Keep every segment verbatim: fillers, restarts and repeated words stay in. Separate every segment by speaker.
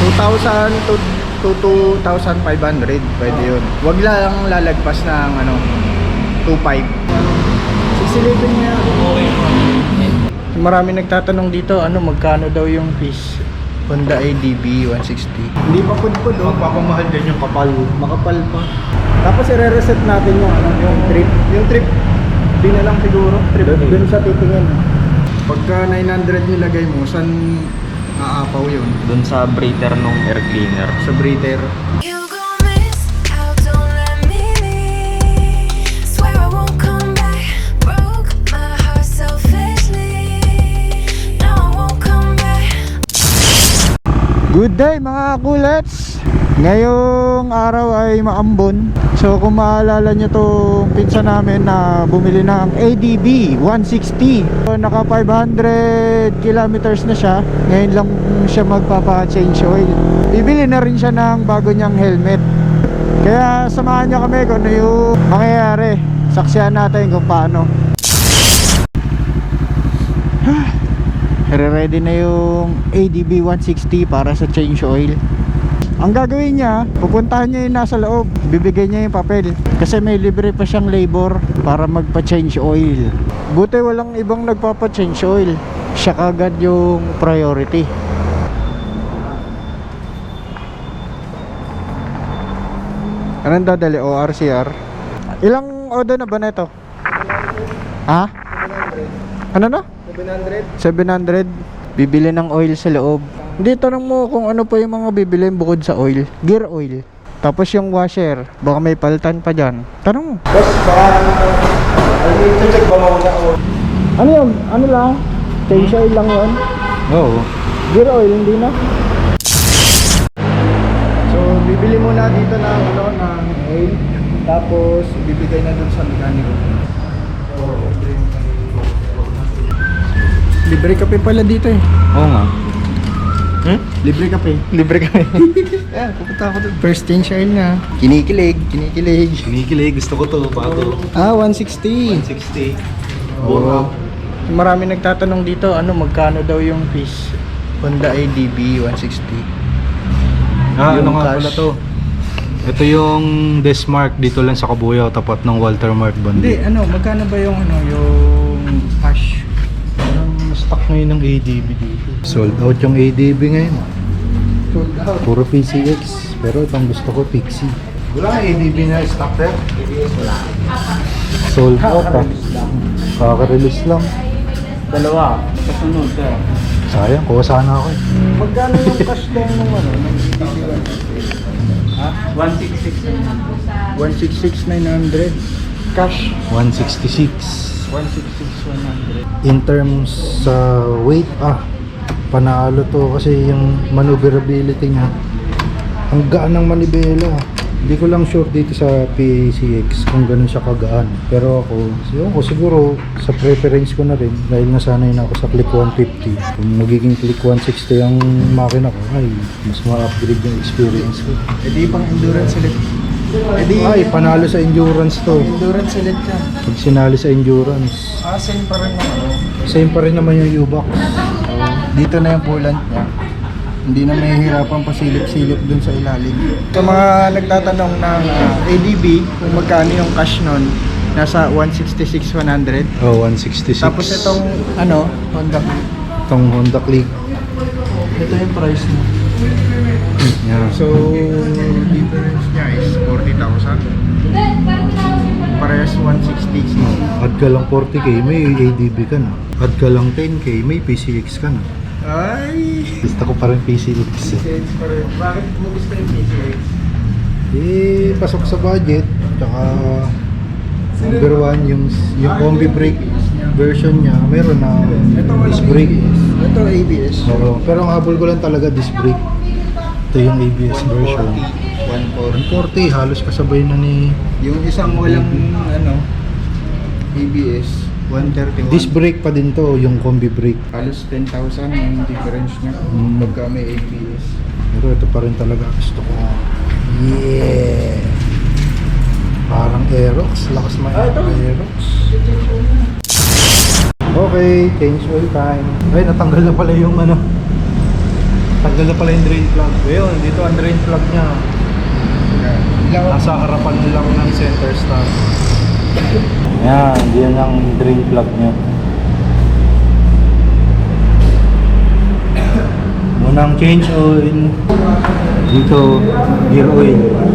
Speaker 1: two thousand to, to two thousand five hundred, pwede yun. Huwag lang lalagpas ng ano, two point five. Sisilipin niya. Marami nagtatanong dito, ano, magkano daw yung fees? Honda A D B one sixty. Hindi pa pudpud, oh.
Speaker 2: Magpapamahal din yung kapal.
Speaker 1: Makapal pa. Tapos i-reset natin yung ano, yung trip. Yung trip, di na lang siguro. Trip, dun sa titingin. Pagka nine hundred nilagay mo, saan aapaw yun?
Speaker 2: Doon sa breather nung air cleaner.
Speaker 1: Sa breather.
Speaker 3: You gon' miss out, don't let me leave. Swear I won't come back. Broke my heart selfishly. No, I won't come back.
Speaker 1: Good day mga kulets! Ngayong araw ay maambon. So kung maalala nyo tong pinsa namin na bumili ng A D B one sixty, so, naka five hundred kilometers na siya. Ngayon lang siya magpapa-change oil. Bibili na rin siya ng bago niyang helmet. Kaya samahan nyo kami kung ano yung mangyayari. Saksihan natin kung paano. Re-ready na yung A D B one sixty para sa change oil. Ang gagawin niya, pupuntahan niya yung nasa loob, bibigay niya yung papel. Kasi may libre pa siyang labor para magpa-change oil. Buti walang ibang nagpapa-change oil. Siya kagad yung priority. Anong dadali? O R C R? Ilang oda na ba na ito? Ha? Ano na?
Speaker 2: seven hundred.
Speaker 1: seven hundred. Bibili ng oil sa loob. Hindi, tanong mo kung ano pa yung mga bibili bukod sa oil. Gear oil. Tapos yung washer, baka may paltan pa dyan. Tanong mo.
Speaker 2: Boss, baka i-check ba muna o?
Speaker 1: Ano yun? Ano lang? Change oil lang yun?
Speaker 2: Oo.
Speaker 1: Gear oil, hindi na. So, bibili muna dito ng ano, ng oil. Tapos, ibibigay na dun sa mekaniko. Libre kape pala dito eh.
Speaker 2: Oo nga.
Speaker 1: Hmm? Libre kape. Libre kape. Ayan, pupunta ako dun. First change oil na. Kinikilig, kinikilig.
Speaker 2: Kinikilig, gusto ko to, bago.
Speaker 1: Ah, one sixty.
Speaker 2: one sixty.
Speaker 1: Oo. Marami nagtatanong dito, ano, magkano daw yung fees? Honda A D B one sixty.
Speaker 4: Ah,
Speaker 1: Yung
Speaker 4: ano nga
Speaker 1: cash.
Speaker 4: pala to? Ito yung Desmark dito lang sa Kabuyaw, tapat ng Walter Mark
Speaker 1: Hindi,
Speaker 4: Bandi.
Speaker 1: ano, magkano ba yung, ano, yung cash?
Speaker 4: Anong stock ngayon ng A D B dito? Sold out yung A D B ngayon.
Speaker 1: Sold out.
Speaker 4: Puro P C X, pero itong gusto ko Pixie.
Speaker 2: Wala A D B na stock there?
Speaker 4: Sold out ah. Kaka-release lang.
Speaker 2: Dalawa. Kasunod ka.
Speaker 4: Sayang, kuha sana ako eh.
Speaker 1: Magkano yung cash lang nung, ano, ng A D B one sixty? Ha?
Speaker 2: one sixty-six.
Speaker 1: one sixty-six nine hundred. Cash?
Speaker 4: one sixty-six.
Speaker 1: one sixty-six one hundred.
Speaker 4: In terms sa weight, ah, panalo to kasi yung maneuverability niya. Ang gaan ng manibela. Hindi ko lang sure dito sa P A C X kung ganun siya kagaan. Pero ako, yun ko siguro sa preference ko na rin dahil nasanay na ako sa Click one fifty. Kung magiging Click one sixty ang makina ko, ay mas ma-upgrade yung experience ko.
Speaker 1: E di pang endurance ulit. E di,
Speaker 4: Ay, panalo sa endurance to.
Speaker 1: endurance ulit yan.
Speaker 4: Pag sinali sa endurance,
Speaker 1: Ah, same pa rin naman.
Speaker 4: same pa rin naman yung U-Box.
Speaker 1: Dito na yung coolant niya. Hindi na may hirapan pasilip-silip dun sa ilalim. Sa mga nagtatanong ng uh, A D B, kung magkano yung cash nun, nasa one sixty-six one hundred.
Speaker 4: Oh, one sixty-six.
Speaker 1: Tapos itong, ano, Honda.
Speaker 4: Itong Honda Click.
Speaker 1: Ito yung price mo.
Speaker 4: Yeah.
Speaker 1: So, difference niya is forty thousand. Parehas one sixty.
Speaker 4: Add ka lang forty K, may A D B ka na. Add ka lang ten K, may P C X ka na.
Speaker 1: Ay!
Speaker 4: Gusto ko pa rin P C X.
Speaker 1: P C X pa rin. Bakit mo gusto yung P C X?
Speaker 4: Eh, pasok sa budget. Tsaka, number one, yung, yung combi brake version niya, meron na disc brake.
Speaker 1: Ito A B S.
Speaker 4: Oo, pero ang habol ko lang talaga disc brake. Ito yung A B S version.
Speaker 1: one forty.
Speaker 4: one forty, halos kasabay na ni
Speaker 1: Yung isang walang ano A B S one thirty-one.
Speaker 4: disc brake pa din to, yung combi brake.
Speaker 1: Halos ten thousand yung difference niya
Speaker 4: Mm.
Speaker 1: pagka may A B S.
Speaker 4: Pero ito pa rin talaga gusto ko. Yeah! Parang Aerox, lakas may Aerox. Okay, change oil time. Ay, natanggal na pala yung ano, natanggal na pala yung drain plug. Ayun, dito ang drain plug niya. Nasa harapan lang ng center stand. Yan, diyan ang drain plug niya. Munang change oil. Dito, gear oil.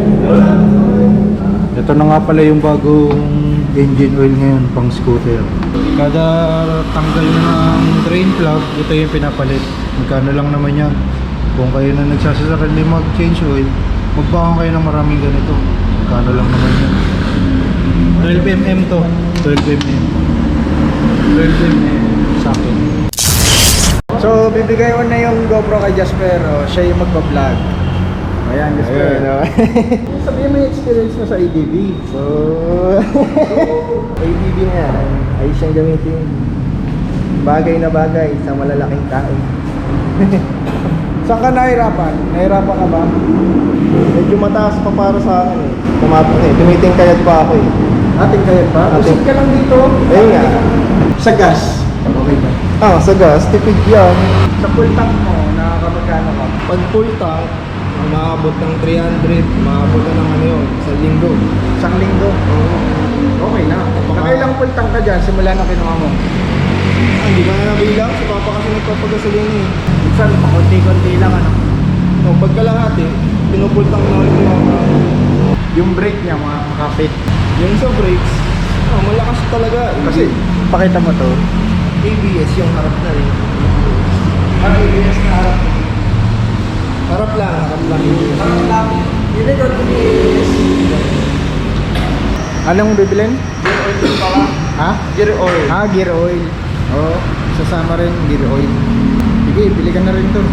Speaker 4: Ito na nga pala yung bagong engine oil ngayon pang scooter. Kada tanggal na ng drain plug, ito yung pinapalit. Magkano lang naman yan. Kung kayo na nagsasasakal na mag-change oil, magbaon kayo ng maraming ganito. Magkano lang naman yan. twelve millimeter to. twelve millimeter. twelve millimeter sa akin.
Speaker 1: So, bibigay ko na yung GoPro kay Jasper. Oh, siya yung magpa-vlog. Ayan, Jasper.
Speaker 2: Ayun, oh.
Speaker 1: Sabihin mo yung experience mo sa A D B.
Speaker 2: So, A D B na yan. Ayos siyang gamitin. Bagay na bagay sa malalaking tao.
Speaker 1: Saan ka nahirapan? Nahirapan ka ba?
Speaker 2: Medyo mataas pa para sa akin eh. Tumapos eh. Tumitingkayad pa ako eh.
Speaker 1: Ating kaya pa?
Speaker 2: Ating-
Speaker 1: Usip ka lang dito.
Speaker 2: Ayun nga.
Speaker 1: Sa gas. Okay ba?
Speaker 2: Ah, sa gas, tipid yan.
Speaker 1: Sa full tank mo, nakakamagkano ka?
Speaker 2: Pag full tank, maabot ng three hundred, maabot na ng ano yun, sa linggo.
Speaker 1: Isang linggo? Okay na. Nakailang full tank ka dyan simula na kinuha mo?
Speaker 2: Ah, hindi ka na nabilang. Si Papa kasi nagpapagasolina eh.
Speaker 1: Minsan, pakunti-kunti lang ano.
Speaker 2: So, pagkalahati, pinupull tank na ulit yung mga.
Speaker 1: Yung brake niya, mga makapit.
Speaker 2: Yung sa brakes, ah, malakas talaga.
Speaker 1: Kasi, pakita mo to.
Speaker 2: A B S yung harap na rin. Ah, A B S na harap. Harap lang, harap lang. Harap lang. Yung record ko ni A B S.
Speaker 1: Anong bibilin?
Speaker 2: Gear oil yung pala.
Speaker 1: Ha?
Speaker 2: Gear oil.
Speaker 1: Ah, gear oil. Oo, oh, sasama rin gear oil. Sige, bili ka na rin to.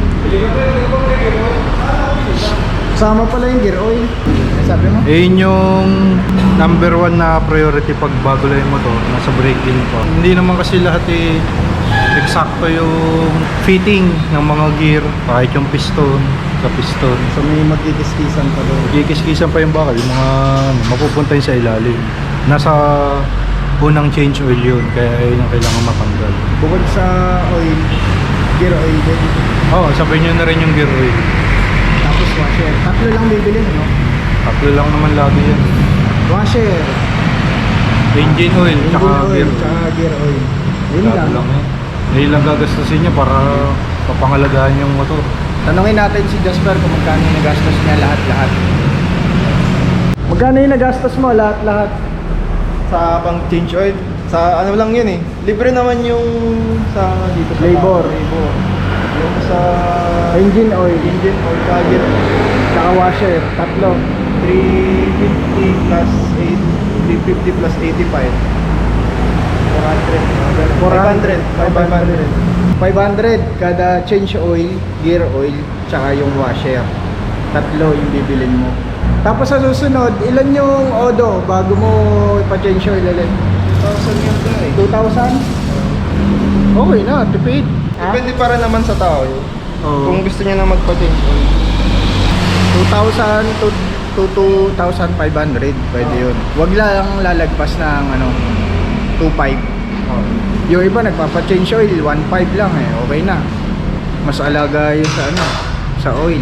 Speaker 1: Sama pala yung gear oil. Ano sabi mo?
Speaker 4: Eh, yun yung number one na priority pag bago lang yung motor, nasa braking pa. Hindi naman kasi lahat eh, eksakto yung fitting ng mga gear, kahit yung piston, sa piston.
Speaker 1: So may magkikiskisan pa doon.
Speaker 4: Kikiskisan pa yung bakal, yung mga ano, mapupunta yun sa ilalim. Nasa unang change oil yun, kaya yun ang kailangan matanggal.
Speaker 1: Bukod sa oil, gear oil din.
Speaker 4: Oo, oh, sabihin nyo na rin yung gear oil.
Speaker 1: Tapos washer. Tatlo lang bibili no?
Speaker 4: Tatlo lang naman lagi yan.
Speaker 1: Washer,
Speaker 4: Engine oil,
Speaker 1: engine
Speaker 4: tsaka
Speaker 1: oil,
Speaker 4: gear oil.
Speaker 1: tsaka gear oil. Yun
Speaker 4: Lalo
Speaker 1: lang.
Speaker 4: lang yan. Yun lang gagastusin niya para papangalagaan yung motor.
Speaker 1: Tanungin natin si Jasper kung magkano yung nagastos niya lahat-lahat. Magkano yung nagastos mo lahat-lahat?
Speaker 2: Sa pang change oil. Sa ano lang yun eh. Libre naman yung sa dito sa
Speaker 1: Labor.
Speaker 2: labor. Yung sa
Speaker 1: Engine oil,
Speaker 2: engine oil, sa gear
Speaker 1: tsaka washer, tatlo.
Speaker 2: three fifty plus eight, three fifty plus eighty-five. four hundred. five hundred. five hundred.
Speaker 1: five hundred kada change oil, gear oil, tsaka yung washer. Tatlo yung bibilin mo. Tapos sa susunod, ilan yung odo bago mo ipa-change oil ulit?
Speaker 2: two thousand yun na eh.
Speaker 1: two thousand? Okay na, tipid.
Speaker 2: Depende para naman sa tao yun.
Speaker 1: Oo.
Speaker 2: Kung gusto niya na magpa-change oil.
Speaker 1: two thousand to, to two thousand five hundred, pwede yun. Huwag lang lalagpas ng ano, two five. Yung iba nagpapa-change oil, one five lang eh, okay na. Mas alaga yun sa ano, sa oil.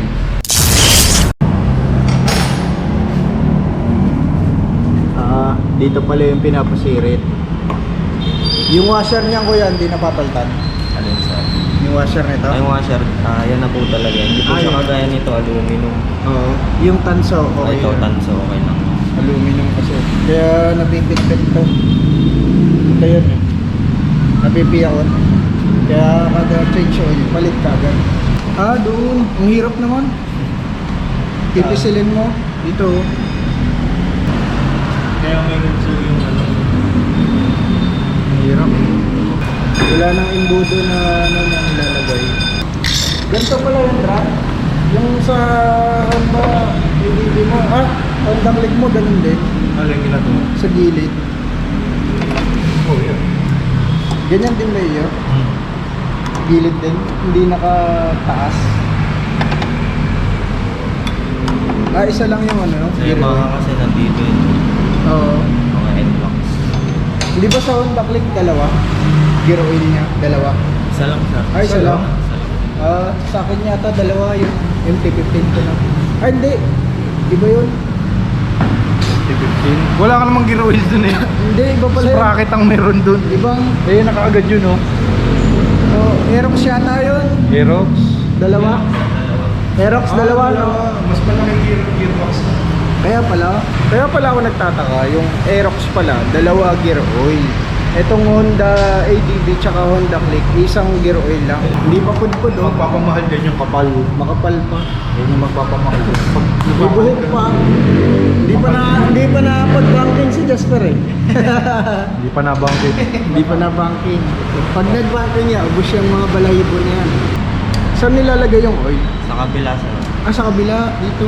Speaker 1: Ah, dito pala yung pinapasirit. Yung washer niya kuya, hindi napapaltan.
Speaker 5: Alin sa?
Speaker 1: Yung washer nito?
Speaker 5: Ay, yung washer, ah, yan na po talaga. Hindi po
Speaker 1: Ah,
Speaker 5: siya
Speaker 1: yun.
Speaker 5: kagaya nito, aluminum.
Speaker 1: Oo. Yung tanso,
Speaker 5: Okay,
Speaker 1: okay.
Speaker 5: ito,
Speaker 1: yun.
Speaker 5: tanso, okay lang.
Speaker 1: Aluminum kasi. Kaya nabibigpit to. Ito yun eh. Nabibiyakot. Kaya kada change oil, palit ka agad. Ah, doon. Ang hirap naman. Pipisilin mo. Dito.
Speaker 5: Kaya may nagso yung ano.
Speaker 1: Ang hirap. Wala nang imbudo na ano na nilalagay. Ganito pala yung drop. Yung sa Honda A D B mo. Ah, Honda Click mo, ganun din.
Speaker 4: Alin ginagawa?
Speaker 1: Sa gilid.
Speaker 4: Oh, yeah.
Speaker 1: Ganyan din ba yun? Gilid din, hindi nakataas. Ah, isa lang yung ano, no?
Speaker 5: Sa yung mga kasi nandito yun.
Speaker 1: Oo.
Speaker 5: Mga N-Locks.
Speaker 1: Hindi ba sa Honda Click dalawa? Gear oil niya, dalawa.
Speaker 5: Isa lang siya.
Speaker 1: Ay, isa lang.
Speaker 5: Isa lang.
Speaker 2: Ah, sa akin yata dalawa yung M T fifteen ko na. Ay, hindi. Iba yun.
Speaker 4: fifteen. Wala ka namang gear oil dun eh.
Speaker 2: Hindi, iba pala yun.
Speaker 4: Sprocket ang meron dun.
Speaker 2: Ibang,
Speaker 4: Eh, nakaagad yun oh.
Speaker 2: oh, Aerox yata yun.
Speaker 4: Aerox.
Speaker 2: Dalawa. Aerox, dalawa, no?
Speaker 4: Mas malaki gear, gearbox na.
Speaker 2: Kaya pala.
Speaker 1: Kaya pala ako nagtataka, yung Aerox pala, dalawa gear oil. Etong Honda A D V tsaka Honda Click, isang gear oil lang. Hindi pa pudpud oh.
Speaker 4: Magpapamahal din yung kapal.
Speaker 1: Makapal pa.
Speaker 4: Yun yung magpapamahal. Pag
Speaker 2: May buhok pa. Hindi pa na, hindi pa na pag-banking si Jasper eh.
Speaker 4: Hindi pa nabangkit.
Speaker 2: Hindi pa na banking. Pag nag-banking niya, ubos yung mga balahibo na yan.
Speaker 1: Saan nilalagay yung oil?
Speaker 5: Sa kabila sir.
Speaker 2: Ah, sa kabila, dito.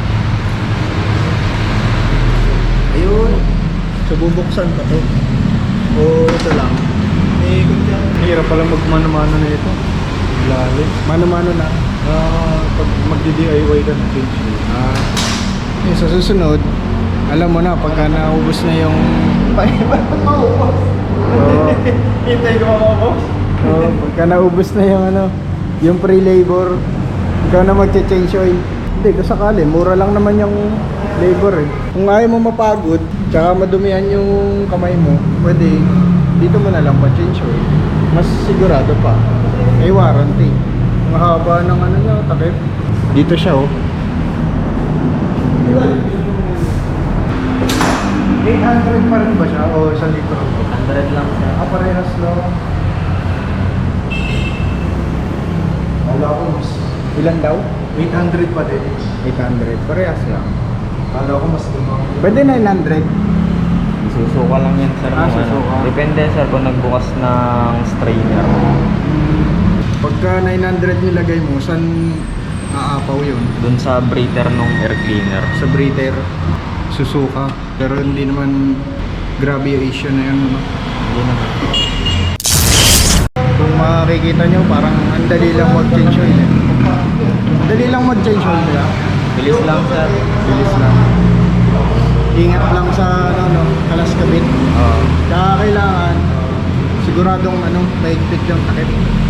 Speaker 2: Ayun.
Speaker 1: So bubuksan pa to.
Speaker 2: O, ito lang.
Speaker 4: Eh, hirap pala magmano-mano na ito. Lalim.
Speaker 1: Mano-mano na.
Speaker 4: Ah, pag magdi-D I Y ka na change oil.
Speaker 1: Ah, eh, sa susunod, alam mo na, pagka naubos na yung... Oo.
Speaker 4: Hintay ko mga boss.
Speaker 1: Oo, pagka naubos na yung ano, yung pre-labor, ikaw na magche-change oil. Hindi, kung sakali, mura lang naman yung labor eh. Kung ayaw mo mapagod, tsaka madumihan yung kamay mo, pwede, dito mo na lang pa-change oil. Mas sigurado pa. May warranty. Ang haba ng ano niya, takip. Dito siya oh.
Speaker 4: eight hundred pa rin ba siya? O isang litro?
Speaker 5: one hundred lang sir.
Speaker 4: Ah, parehas lang. Wala ko mas.
Speaker 1: Ilan daw?
Speaker 4: eight hundred pa din.
Speaker 1: eight hundred. Parehas lang.
Speaker 4: Kala ko mas lumang.
Speaker 1: Pwede nine hundred.
Speaker 5: Susuka lang yan sir.
Speaker 1: Ah,
Speaker 5: kung ano.
Speaker 1: susuka.
Speaker 5: Depende sir kung nagbukas ng strainer.
Speaker 1: Pagka nine hundred nilagay mo, saan aapaw yun?
Speaker 5: Dun sa breather nung air cleaner.
Speaker 1: Sa breather, susuka. Pero hindi naman grabe yung issue na yun. Ano?
Speaker 5: Hindi naman.
Speaker 1: Kung makikita nyo, parang ang dali lang mag-change oil. Eh. Dali lang mag-change oil nila.
Speaker 5: Bilis lang sir.
Speaker 1: Bilis lang. Ingat lang sa ano, no, kalas kabit.
Speaker 5: Oo.
Speaker 1: Kaya kailangan siguradong ano, maigpit yung takip.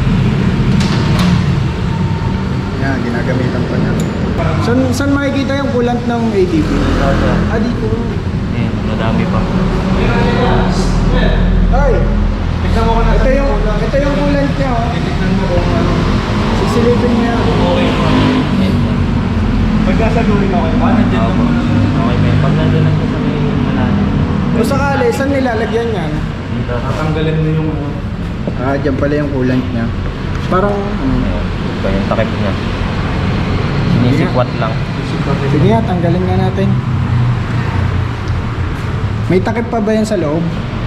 Speaker 1: Yan, ginagamitan pa niya. San, saan makikita yung coolant ng A D B?
Speaker 5: Ito sir.
Speaker 1: Ah, dito.
Speaker 5: Eh, madami pa.
Speaker 1: Ay! Tignan mo ko na ito yung, ito yung coolant niya, oh. Tignan mo kung ano. Sisilipin niya.
Speaker 5: Okay po. Yan sir.
Speaker 4: Pagkasaluhin ako kayo. Ano din
Speaker 5: Opo. Okay may pag nandun lang siya sa may malalim.
Speaker 1: Kung sakali, saan nilalagyan yan?
Speaker 5: Dito.
Speaker 4: Tatanggalin mo yung ano.
Speaker 1: Ah, dyan pala yung coolant niya. Parang, ano,
Speaker 5: Ayun. Ito yung takip niya. Sinisikwat lang.
Speaker 1: sige nga, tanggalin nga natin. May takip pa ba yan sa loob?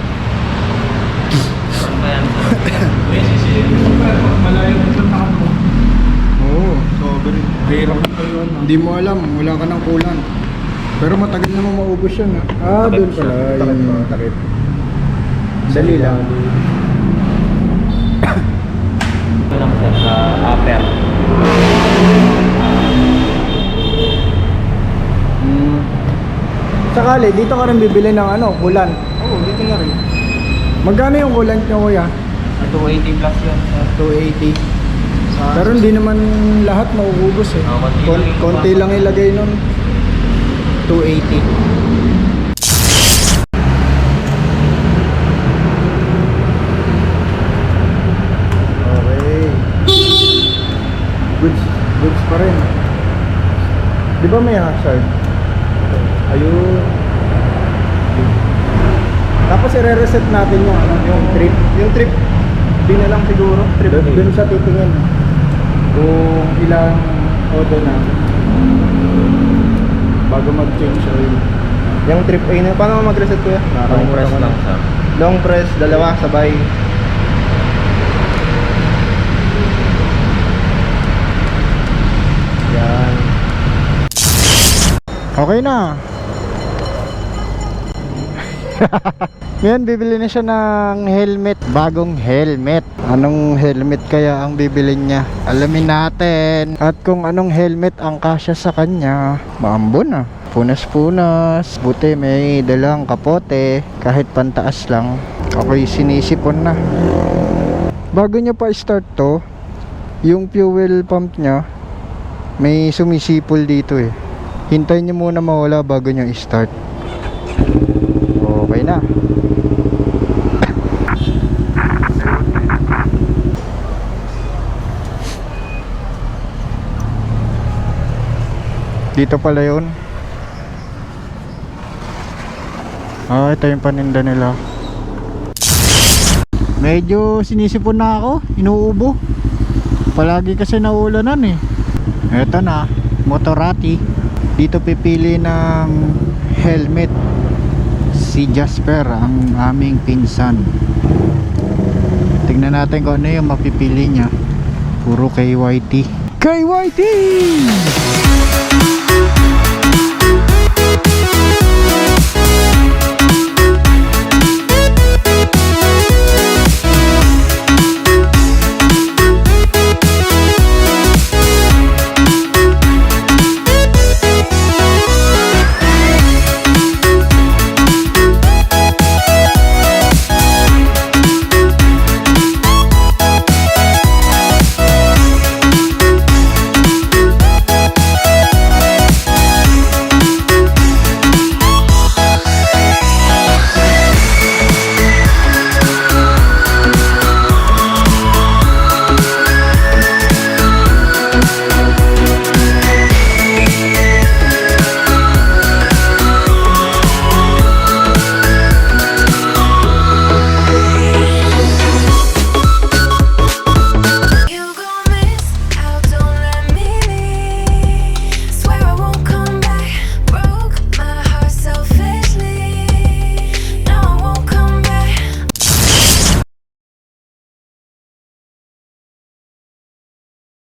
Speaker 5: Ano ba yan sir?
Speaker 4: Malayo mo sa takap mo.
Speaker 1: Oo.
Speaker 4: Sobrang. Hirap pa yun.
Speaker 1: Hindi mo alam, wala ka ng coolant. Pero matagal naman maubos yun, ha? Ah,
Speaker 5: Takip
Speaker 1: doon
Speaker 5: siya.
Speaker 1: pala.
Speaker 4: Takip
Speaker 1: Yung
Speaker 4: pa.
Speaker 1: takip. Dali lang.
Speaker 5: Ito lang sir sa upper.
Speaker 1: Hmm. Sakali, dito ka rin bibili ng ano, coolant.
Speaker 4: Oo, dito na rin.
Speaker 1: Magkano yung coolant nyo, kuya?
Speaker 5: two eighty plus yun sir.
Speaker 1: two eighty. Pero hindi naman lahat mauubos eh.
Speaker 5: Oo, konti
Speaker 1: Kon-
Speaker 5: lang yung
Speaker 1: konti
Speaker 5: iba.
Speaker 1: lang ilagay nun. two eighty. Okay. Goods, goods pa rin. Di ba may hazard? Ayun. Tapos i-reset natin yung ano, yung trip.
Speaker 4: Yung trip. Di na lang siguro. Trip.
Speaker 1: Doon, doon sa titingin. Kung ilang odo na bago mag-change oil.
Speaker 2: Yung trip A na, paano mag-reset kuya?
Speaker 5: Long press lang sir.
Speaker 2: Long press, dalawa, sabay. Yan.
Speaker 1: Okay na. Ngayon bibili na siya ng helmet. Bagong helmet. Anong helmet kaya ang bibilin niya? Alamin natin. At kung anong helmet ang kasya sa kanya. Maambon ah. Punas-punas. Buti may dalang kapote. Kahit pantaas lang. Okay, sinisipon na. Bago niya pa start to, yung fuel pump niya may sumisipol dito eh. Hintayin niyo muna mawala bago niyo i-start. Okay na. Dito pala yun. Ah, ito yung paninda nila. Medyo sinisipon na ako, inuubo. Palagi kasi naulanan eh. Eto na, Motorati. Dito pipili ng helmet si Jasper, ang aming pinsan. Tingnan natin kung ano yung mapipili niya. Puro K Y T. K Y T!